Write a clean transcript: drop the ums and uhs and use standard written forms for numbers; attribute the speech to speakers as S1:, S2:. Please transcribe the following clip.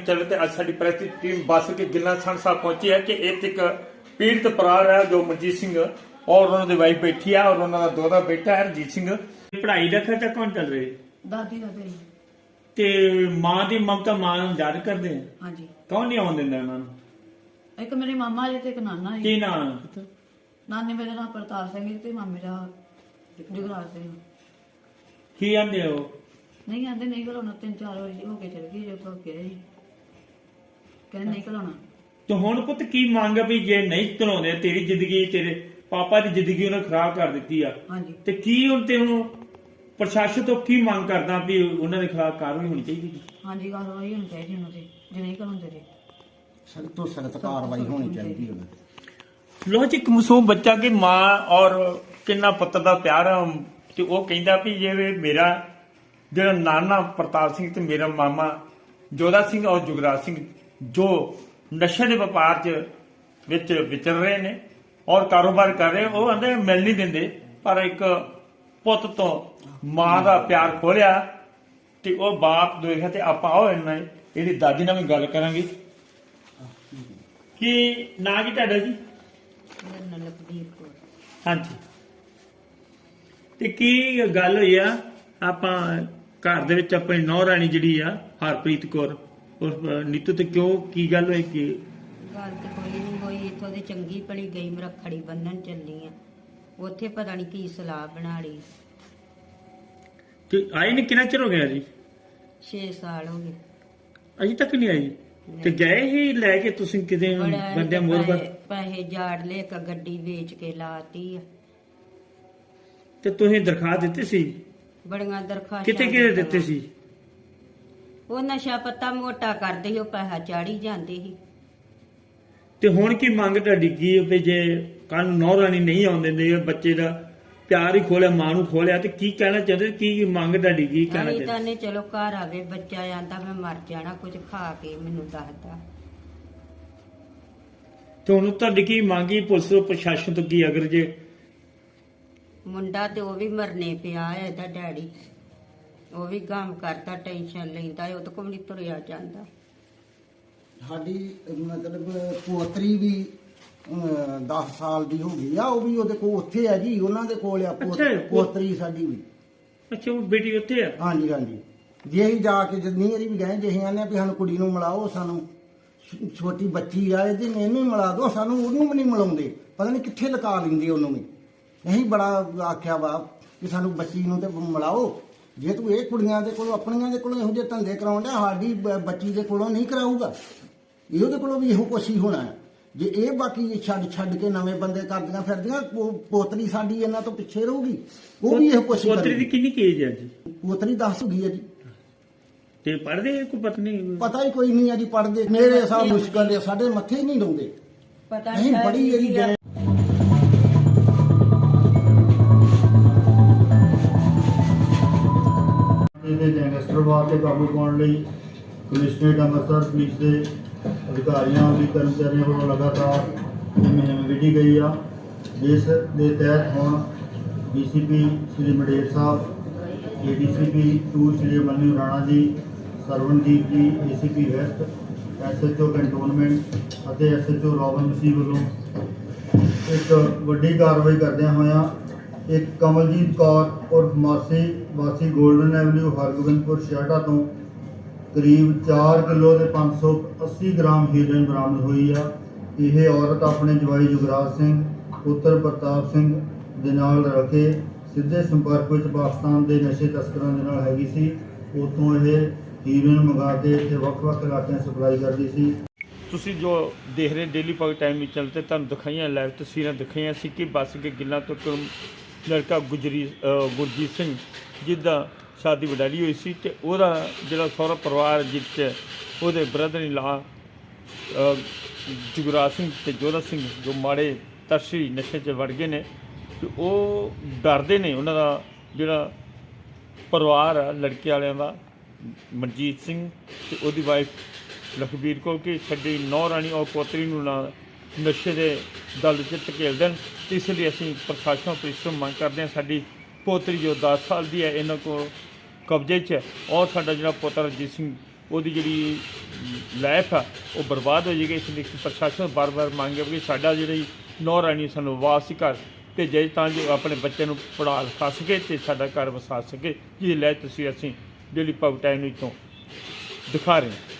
S1: चले तो अज साडी प्रेस की टीम बस के गिल्ला संड साहब पहुंची है कि एक पीड़ित परिवार है जो मनजीत सिंह और उन्होंने वाइफ बैठी है और उन्होंने दोहरा बेटा है रंजीत सिंह। पढ़ाई का खर्चा कौन चल रही है
S2: दादी दादी
S1: ते मां की ममता मां याद करते हैं
S2: हाँ जी
S1: कौन नहीं आउन दिंदा उन्होंने
S2: एक मेरे मामा जी ते एक नाना जी
S1: की नाम
S2: नानी मेरा नाम प्रताप सिंह जी ते मामे दा जुगराज सिंह
S1: की आंदे हो
S2: नहीं आंदे नहीं घलाउणा 3-4 वारी हो के चल गई जो तो गए कहने नहीं घलाउणा
S1: तो हुण पुत की मंग है भी जे नहीं चलाउंदे तेरी जिंदगी तेरे पापा की जिंदगी उन्हें खराब कर दी है
S2: हाँ जी
S1: ते की हुण ते हुण प्रशासन तो की मंग करदा भी उन्हां दे खिलाफ कार्रवाई होनी चाहिए
S2: हाँ जी कार्रवाई होनी चाहिए उन्होंने जे नहीं घलाउंदे ते
S3: सख्त तो सख्त कार्रवाई होनी चाहिए उन्हें।
S1: लो जी एक मासूम बच्चा की मां और किन्ना पुत्र का प्यार है ते वो कहंदा भी जे मेरा ਜਿਹੜਾ ਨਾਨਾ ਪ੍ਰਤਾਪ ਸਿੰਘ ਤੇ ਮੇਰਾ ਮਾਮਾ ਜੋਧਾ ਸਿੰਘ ਔਰ ਜੁਗਰਾਜ ਸਿੰਘ ਜੋ ਨਸ਼ੇ ਦੇ ਵਪਾਰ 'ਚ ਵਿੱਚ ਵਿਚਰ ਰਹੇ ਨੇ ਔਰ ਕਾਰੋਬਾਰ ਕਰ ਰਹੇ ਉਹ ਕਹਿੰਦੇ ਮਿਲ ਨਹੀਂ ਦਿੰਦੇ ਪਰ ਇੱਕ ਪੁੱਤ ਤੋਂ ਮਾਂ ਦਾ ਪਿਆਰ ਖੋਲਿਆ ਤੇ ਉਹ ਬਾਪ ਦੇਖਿਆ ਤੇ ਆਪਾਂ ਉਹ ਇਹਦੀ ਦਾਦੀ ਨਾਲ ਵੀ ਗੱਲ ਕਰਾਂਗੇ ਕਿ ਨਾਂ ਕੀ ਤੁਹਾਡਾ ਜੀ
S2: ਮੇਰਾ ਨਾਮ ਲਖਬੀਰ ਕੌਰ
S1: ਹਾਂਜੀ ਤੇ ਕੀ ਗੱਲ ਹੋਈ ਆ ਆਪਾਂ ਘਰ ਦੇ ਵਿੱਚ ਆਪਣੀ ਨੌਂ ਰਾਣੀ ਜਿਹੜੀ ਆ ਹਰਪ੍ਰੀਤ ਕੌਰ ਉਰਫ ਨੀਤੂ ਤੇ ਕਿਉਂ ਕੀ ਗੱਲ ਹੋਈ ਕਿ
S4: ਗੱਲ ਤੇ ਕੋਈ ਨਹੀਂ ਹੋਈ ਇੱਥੋਂ ਦੀ ਚੰਗੀ ਭਲੀ ਗਈ ਮੈਂ ਰੱਖੜੀ ਬੰਨਣ ਚੱਲੀ ਆ ਉੱਥੇ ਪਤਾ ਨਹੀਂ ਕੀ ਸਲਾਹ ਬਣਾ ਲਈ
S1: ਕਿ ਆਈ ਨਹੀਂ ਕਿੰਨਾ ਚਿਰ ਹੋ ਗਿਆ ਜੀ
S4: 6 ਸਾਲ ਹੋ ਗਏ
S1: ਅਜੇ ਤੱਕ ਨਹੀਂ ਆਈ ਤੇ ਗਏ ਹੀ ਲੈ ਕੇ ਤੁਸੀਂ ਕਿਤੇ ਬੰਦੇ ਮੋਰ
S4: ਪੈਸੇ ਜਾੜ ਲੈ ਕੇ ਗੱਡੀ ਵੇਚ ਕੇ ਲਾਤੀ ਆ
S1: ਤੇ ਤੁਸੀਂ ਦਰਖਾਸਤ ਦਿੱਤੀ ਸੀ
S4: ਬੜੀਆਂ ਦਰਖਾਸਤਾਂ
S1: ਕਿਤੇ ਕਿਤੇ ਦਿੱਤੇ ਸੀ
S4: ਉਹ ਨਸ਼ਾ ਪੱਤਾ ਮੋਟਾ ਕਰਦੇ ਸੀ ਉਹ ਪੈਸਾ ਚਾੜੀ ਜਾਂਦੇ ਸੀ
S1: ਤੇ ਹੁਣ ਕੀ ਮੰਗ ਤੁਹਾਡੀ ਕੀ ਹੈ ਵੀ ਜੇ ਕੱਲ ਨੂੰ ਨੌਂ ਰਾਣੀ ਨਹੀਂ ਆਉਣ ਦਿੰਦੇ ਬੱਚੇ ਦਾ ਪਿਆਰ ਹੀ ਖੋਲਿਆ ਮਾਂ ਨੂੰ ਖੋਲਿਆ ਤੇ ਕੀ ਕਹਿਣਾ ਚਾਹੁੰਦੇ ਕੀ ਮੰਗ ਤੁਹਾਡੀ ਕੀ ਕਹਿਣਾ
S4: ਅਸੀਂ ਤਾਂ
S1: ਚਾਹੁੰਦੇ
S4: ਨੇ ਚਲੋ ਘਰ ਆਵੇ ਬੱਚਾ ਆਂਦਾ ਮੈਂ ਮਰ ਜਾਣਾ ਕੁਝ ਖਾ ਕੇ ਮੈਨੂੰ ਦੱਸਦਾ
S1: ਤੇ ਹੁਣ ਤੁਹਾਡੀ ਕੀ ਮੰਗੀ ਪੁਲਿਸ ਤੋਂ ਪ੍ਰਸ਼ਾਸਨ ਤੋਂ ਕੀ ਅਗਰ ਜੇ
S4: ਮੁੰਡਾ ਤੇ ਉਹ ਵੀ ਮਰਨੇ ਪਿਆ ਹੈ ਇਹਦਾ ਡੈਡੀ ਉਹ ਵੀ ਕੰਮ ਕਰਦਾ ਟੈਨਸ਼ਨ ਲੈਂਦਾ ਉਹ ਤਾਂ ਕੋਈ ਨਹੀਂ ਤੁਰਿਆ ਜਾਂਦਾ
S3: ਸਾਡੀ ਮਤਲਬ ਪੋਤਰੀ ਵੀ 10 ਸਾਲ ਦੀ ਹੋ ਗਈ ਆ ਉਹ ਵੀ ਉਹਦੇ ਕੋਲ ਉੱਥੇ ਆ ਜੀ ਉਹਨਾਂ ਦੇ ਕੋਲ ਆ ਪੋਤਰੀ ਸਾਡੀ ਵੀ
S1: ਅੱਛਾ ਉਹ ਬੇਟੀ ਉੱਥੇ ਆ
S3: ਹਾਂਜੀ ਹਾਂਜੀ ਜੇ ਅਸੀਂ ਜਾ ਕੇ ਜਿੰਨੀ ਵਾਰੀ ਵੀ ਗਏ ਜੇ ਅਸੀਂ ਆਨੇ ਵੀ ਸਾਨੂੰ ਕੁੜੀ ਨੂੰ ਮਿਲਾਓ ਸਾਨੂੰ ਛੋਟੀ ਬੱਚੀ ਆ ਇਹਦੇ ਨੇ ਇਹਨੂੰ ਮਿਲਾ ਦਿਓ ਸਾਨੂੰ ਉਹਨੂੰ ਵੀ ਨਹੀਂ ਮਿਲਾਉਂਦੇ ਪਤਾ ਨਹੀਂ ਕਿੱਥੇ ਲਗਾ ਲੈਂਦੇ ਉਹਨੂੰ ਵੀ ਅਸੀਂ ਬੜਾ ਆਖਿਆ ਵਾ ਕਿ ਸਾਨੂੰ ਬੱਚੀ ਨੂੰ ਤੇ ਮਿਲਾਓ ਜੇ ਤੂੰ ਇਹ ਕੁੜੀਆਂ ਦੇ ਕੋਲੋਂ ਆਪਣੀਆਂ ਦੇ ਕੋਲੋਂ ਇਹੋ ਜਿਹੇ ਧੰਦੇ ਕਰਾਉਣ ਡਿਆ ਸਾਡੀ ਬੱਚੀ ਦੇ ਕੋਲੋਂ ਨਹੀਂ ਕਰਾਊਗਾ ਇਹਦੇ ਕੋਲੋਂ ਵੀ ਇਹੋ ਕੁਛ ਹੀ ਹੋਣਾ ਹੈ ਜੇ ਇਹ ਬਾਕੀ ਛੱਡ ਕੇ ਨਵੇਂ ਬੰਦੇ ਕਰਦੀਆਂ ਫਿਰਦੀਆਂ ਪੋਤਰੀ ਸਾਡੀ ਇਹਨਾਂ ਤੋਂ ਪਿੱਛੇ ਰਹੂਗੀ ਉਹ ਵੀ ਇਹੋ ਕੁਛ
S1: ਪੋਤਰੀ ਦੀ ਕਿੰਨੀ ਏਜ ਹੈ ਜੀ
S3: ਪੋਤਰੀ 10 ਹੋ ਗਈ ਹੈ ਜੀ
S1: ਤੇ ਪੜ੍ਹਦੇ ਕੋਈ ਪਤਨੀ
S3: ਪਤਾ ਹੀ ਕੋਈ ਨਹੀਂ ਆ ਜੀ ਪੜਦੇ ਮੇਰੇ ਹਿਸਾਬ ਮੁਸ਼ਕਲ ਦੇ ਸਾਡੇ ਮੱਥੇ ਹੀ ਨਹੀਂ ਲਾਉਂਦੇ
S4: ਪਤਾ
S3: ਨਹੀਂ ਬੜੀ ਇਹਦੀ
S5: ਦੇ ਗੈਂਗਸਟਰਵਾਦ ਤੇ ਕਾਬੂ ਪਾਉਣ ਲਈ ਕਮਿਸ਼ਨਰੇਟ ਅੰਮ੍ਰਿਤਸਰ ਪੁਲਿਸ ਦੇ ਅਧਿਕਾਰੀਆਂ ਅਤੇ ਕਰਮਚਾਰੀਆਂ ਵੱਲੋਂ ਲਗਾਤਾਰ ਮੁਹਿੰਮ ਵਿੱਢੀ ਗਈ ਆ ਜਿਸ ਦੇ ਤਹਿਤ ਹੁਣ DCP Shri Mander sahib ADCP 2 Shri Mani Rana ji Sarwandeep ji ACP west SHO cantonment ਅਤੇ ਐਸਐਚਓ ਰੋਬਨ ਮਸੀਹ ਵੱਲੋਂ ਇੱਕ ਵੱਡੀ ਕਾਰਵਾਈ ਕਰਦਿਆਂ ਹੋਇਆਂ ਇੱਕ ਕਮਲਜੀਤ ਕੌਰ ਉਰਫ ਮਾਸੀ ਵਾਸੀ ਗੋਲਡਨ ਐਵਨਿਊ ਹਰਗੋਬਿੰਦਪੁਰ ਛਿਆਟਾ ਤੋਂ ਕਰੀਬ 4 ਕਿਲੋ ਦੇ 580 ਗ੍ਰਾਮ ਹੀਰੋਇਨ ਬਰਾਮਦ ਹੋਈ ਆ ਇਹ ਔਰਤ ਆਪਣੇ ਜਵਾਈ ਜੁਗਰਾਜ ਸਿੰਘ ਪੁੱਤਰ ਪ੍ਰਤਾਪ ਸਿੰਘ ਦੇ ਨਾਲ ਰਲ ਕੇ ਸਿੱਧੇ ਸੰਪਰਕ ਵਿੱਚ ਪਾਕਿਸਤਾਨ ਦੇ ਨਸ਼ੇ ਤਸਕਰਾਂ ਦੇ ਨਾਲ ਹੈਗੀ ਸੀ ਉੱਥੋਂ ਇਹ ਹੀਰੋਇਨ ਮੰਗਾ ਕੇ ਇੱਥੇ ਵੱਖ-ਵੱਖ ਇਲਾਕਿਆਂ ਸਪਲਾਈ ਕਰਦੀ ਸੀ।
S1: ਤੁਸੀਂ ਜੋ ਦੇਖ ਰਹੇ ਡੇਲੀ ਪਾਕ ਟਾਈਮ ਵਿੱਚ ਚੱਲਦੇ ਤੁਹਾਨੂੰ ਦਿਖਾਈਆਂ ਲਾਈਵ ਤਸਵੀਰਾਂ ਦਿਖਾਈਆਂ ਸੀ ਕਿ ਬੱਸ ਕੇ ਗਿੱਲਾਂ ਤੋਂ ਲੜਕਾ ਗੁਰਜੀਤ ਸਿੰਘ ਜਿਹਦਾ ਸ਼ਾਦੀ ਵਡਾਲੀ ਹੋਈ ਸੀ ਤੇ ਉਹਦਾ ਜਿਹੜਾ ਸਹੁਰਾ ਪਰਿਵਾਰ ਜਿੱਥੇ ਉਹਦੇ ਬ੍ਰਦਰ ਇਨ ਲਾ ਜੁਗਰਾਜ ਸਿੰਘ ਤੇ ਜੋਧਾ ਸਿੰਘ ਜੋ ਮਾੜੇ ਤਰਸ਼ੀ ਨਸ਼ੇ 'ਚ ਵੜ ਗਏ ਨੇ ਤੇ ਉਹ ਡਰਦੇ ਨੇ ਉਹਨਾਂ ਦਾ ਜਿਹੜਾ ਪਰਿਵਾਰ ਆ ਲੜਕੇ ਵਾਲਿਆਂ ਦਾ ਮਨਜੀਤ ਸਿੰਘ ਤੇ ਉਹਦੀ ਵਾਈਫ ਲਖਬੀਰ ਕੌਰ ਕਿ ਸਾਡੀ ਨੌਂ ਰਾਣੀ ਔਰ ਪੋਤਰੀ ਨੂੰ ਨਾ ਨਸ਼ੇ ਦੇ ਦਲ 'ਚ ਧਕੇਲ ਦੇਣ ਤੇ ਇਸ ਲਈ ਅਸੀਂ ਪ੍ਰਸ਼ਾਸਨ ਪੁਲਿਸ ਤੋਂ ਮੰਗ ਕਰਦੇ ਹਾਂ ਸਾਡੀ ਪੋਤਰੀ ਜੋ 10 ਸਾਲ ਦੀ ਹੈ ਇਹਨਾਂ ਕੋਲ ਕਬਜ਼ੇ 'ਚ ਹੈ ਔਰ ਸਾਡਾ ਜਿਹੜਾ ਪੁੱਤਰ ਰਣਜੀਤ ਸਿੰਘ ਉਹਦੀ ਜਿਹੜੀ ਲਾਈਫ ਆ ਉਹ ਬਰਬਾਦ ਹੋ ਜਾਏਗੀ। ਇਸ ਲਈ ਪ੍ਰਸ਼ਾਸਨ ਬਾਰ-ਬਾਰ ਮੰਗ ਹੈ ਕਿ ਸਾਡਾ ਜਿਹੜੀ ਨੌ ਰਾਣੀ ਸਾਨੂੰ ਵਾਪਸ ਘਰ ਭੇਜੇ ਤਾਂ ਜੋ ਆਪਣੇ ਬੱਚੇ ਨੂੰ ਪੜ੍ਹਾ ਲਿਖਾ ਸਕੇ ਅਤੇ ਸਾਡਾ ਘਰ ਵਸਾ ਸਕੇ, ਜਿਹਦੀ ਲੈ ਤੁਸੀਂ ਅਸੀਂ ਜਿਹੜੀ ਭਗਤਾਂ ਨੂੰ ਤੋਂ ਦਿਖਾ ਰਹੇ ਹਾਂ।